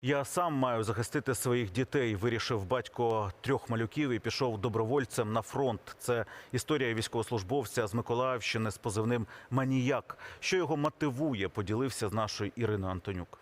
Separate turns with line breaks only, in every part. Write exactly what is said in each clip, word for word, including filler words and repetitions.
Я сам маю захистити своїх дітей, вирішив батько трьох малюків і пішов добровольцем на фронт. Це історія військовослужбовця з Миколаївщини з позивним «Маніяк». Що його мотивує, поділився з нашою Іриною Антонюк.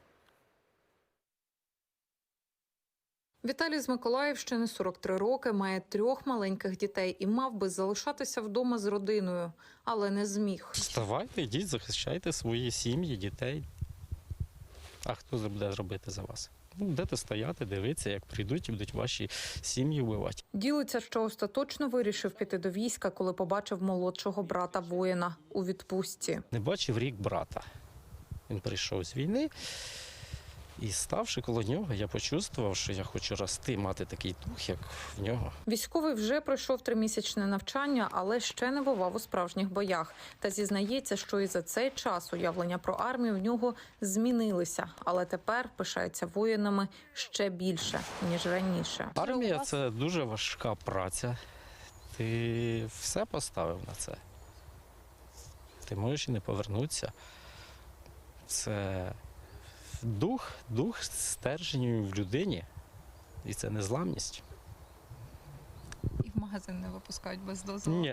Віталій з Миколаївщини, сорок три роки, має трьох маленьких дітей і мав би залишатися вдома з родиною, але не зміг.
Вставайте, йдіть, захищайте свої сім'ї, дітей. А хто це буде робити за вас? Ну, будете стояти, дивитися, як прийдуть і будуть ваші сім'ї вбивати.
Ділиться, що остаточно вирішив піти до війська, коли побачив молодшого брата воїна у відпустці.
Не бачив рік брата. Він прийшов з війни. І ставши коло нього, я почувствував, що я хочу рости, мати такий дух, як в нього.
Військовий вже пройшов тримісячне навчання, але ще не бував у справжніх боях. Та зізнається, що і за цей час уявлення про армію в нього змінилися. Але тепер пишається воїнами ще більше, ніж раніше.
Армія – це дуже важка праця. Ти все поставив на це. Ти можеш і не повернутися. Це... Дух, дух стержень в людині, і це незламність.
І в магазин не випускають без дозволу?
Ні.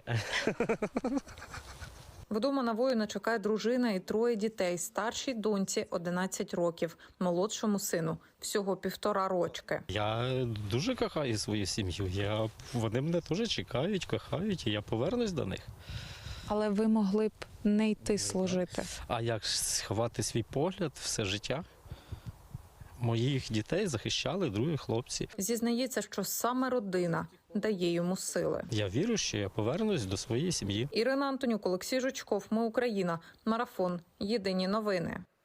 Вдома на воїна чекає дружина і троє дітей. Старшій доньці одинадцять років, молодшому сину всього півтора рочки.
Я дуже кохаю свою сім'ю. Я... Вони мене теж чекають, кохають, і я повернусь до них.
Але ви могли б не йти служити.
А як сховати свій погляд все життя? Моїх дітей захищали другі хлопці.
Зізнається, що саме родина дає йому сили.
Я вірю, що я повернусь до своєї сім'ї.
Ірина Антонюк, Олексій Жучков. Ми Україна. Марафон. Єдині новини.